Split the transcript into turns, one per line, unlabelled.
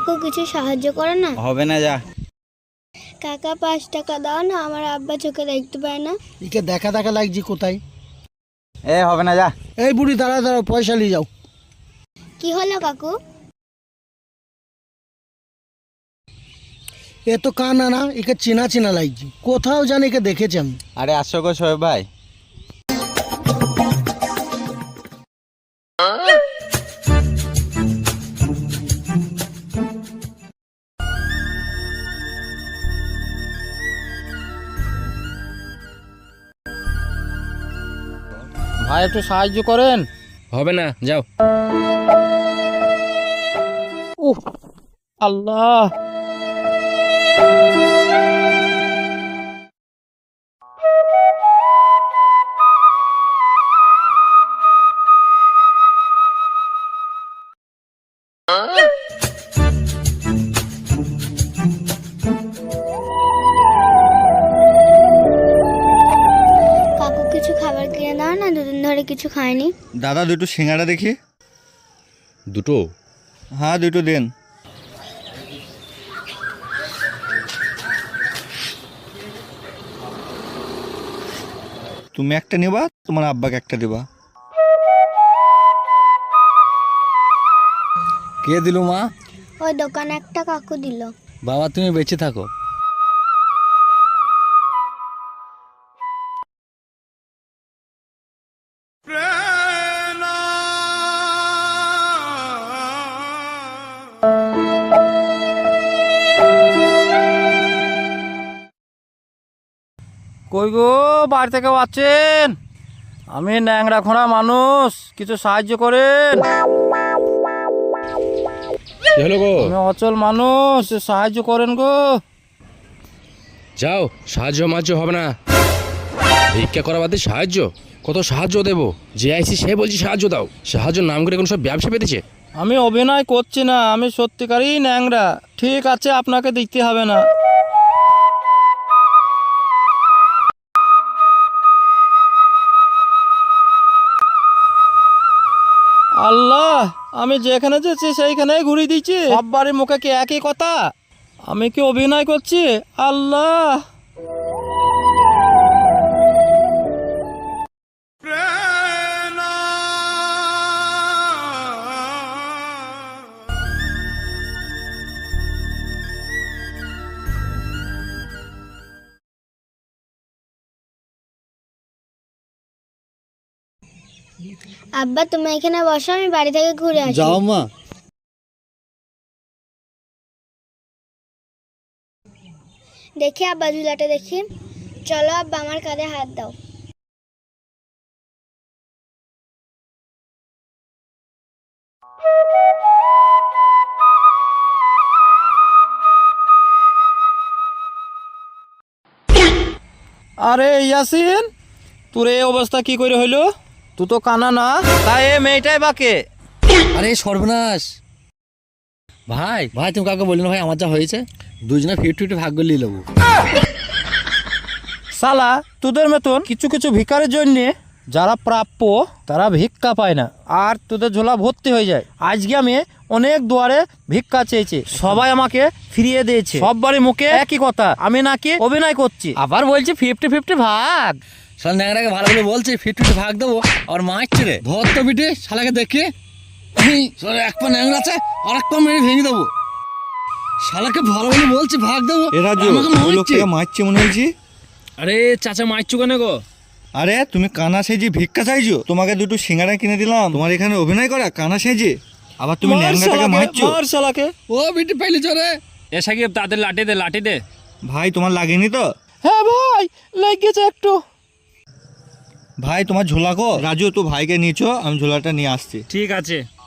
কাকু কিছু সাহায্য করো না।
হবে না, যা।
কাকা 5 টাকা দাও না, আমার আব্বা চোখে দেখতে পায় না।
একে দেখা দেখা লাগছে কোথায়।
হবে না, যা।
এই বুড়ি দাঁড়াও, পয়সা নিয়ে যাও।
কি হলো কাকু?
এ তো কানা না, একে চেনা চেনা লাগছে, কোথাও জানি একে দেখেছি আমি।
আরে আসো গো শোয়েব ভাই।
ভাই একটু সাহায্য করেন।
হবে না, যাও।
উহ, আল্লাহ।
কাকু কিছু খাবার কিনে দাও না, দুদিন ধরে কিছু খাইনি।
দাদা দুটো সিঙ্গাড়া দেখি।
দুটো?
হ্যাঁ, দুটো দেন। তুমি একটা নিবা, তোমার আব্বাকে একটা দিবা।
কে দিল মা?
ওই দোকানে একটা কাকু দিল।
বাবা তুমি বেঁচে থাকো।
কই গো, বাড়ি থেকে আছেন? আমি ন্যাংরা খোঁড়া মানুষ, কিছু সাহায্য করেন।
কি হলো গো?
আমি অচল মানুষ, সাহায্য করেন গো।
যাও, সাহায্য মাহায্য হবে না। ভিক্ষা করা বাদে সাহায্য? কত সাহায্য দেবো? যে আইসি সে বলছি সাহায্য দাও। সাহায্য নাম করে কোনো সব ব্যবসা পেতেছে।
আমি অভিনয় করছি না, আমি সত্যিকারই ন্যাংরা। ঠিক আছে, আপনাকে দিতে হবে না। আল্লাহ, আমি যেখানে যাচ্ছি সেইখানেই ঘুরিয়ে দিচ্ছি। সব বাড়ির মুখে কি একই কথা? আমি কি অভিনয় করছি? আল্লাহ।
আব্বা তুমি এখানে বসো, আমি বাড়ি থেকে ঘুরে আসি।
যাও মা।
দেখি আব্বা, ঝুলাটা দেখি। চলো আব্বা, আমার কাঁধে হাত দাও।
আরে ইয়াসিন, তোর এই অবস্থা কি করে হইলো? তুই তো কানা না, তাই এ মেয়েটাই বাকে।
আরে সর্বনাশ। ভাই ভাই তুমি কাউকে বলি না ভাই, আমার যা হয়েছে। দুজনে 50-50 ভাগ করে নিয়ে নেবো।
সালা, তোদের মতন কিছু কিছু ভিখারির জন্য যারা প্রাপ্য তারা ভিক্ষা পায় না, আর তোদের ঝোলা ভর্তি হয়ে যায়। আজকে আমি অনেক দুয়ারে ভিক্ষা চেয়েছি, সবাই আমাকে ফিরিয়ে দিয়েছে। সব বাড়ির মুখে একই কথা, আমি নাকি অভিনয় করছি। আবার বলছি 50-50 ভাগ।
শালা ন্যাংরাকে ভালো করে বলছে 50-50 ভাগ দেবো, আর মারছে রে। ধর তো বিটে শালাকে দেখে। এক পা ন্যাংরা আছে, আর এক পা মেরে ভেঙে দেবো। শালাকে ভালো করে বলছে ভাগ দেবো,
ওই লোকটাকে মারছে মনে হয়েছে।
আরে চাচা মারছো কেন গো?
আরে তুমি কানা সেজে ভিক্ষা চাইছো, তোমাকে দুটো সিঙ্গাড়া কিনে দিলাম, তোমার এখানে অভিনয় করা কানা সেজে, আবার তুমি ন্যাংরাটাকে মারছো।
মার শালাকে।
ও বিটে পাইলে চরে। এ সাকিব তাদের লাঠি দে, লাঠি দে।
ভাই তোমার লাগেনি তো?
হ্যাঁ ভাই, লেগেছে একটু।
ভাই তোমার ঝোলা কো? রাজু, তো ভাইকে নিয়েছো, আমি ঝোলাটা নিয়ে আসছি।
ঠিক আছে।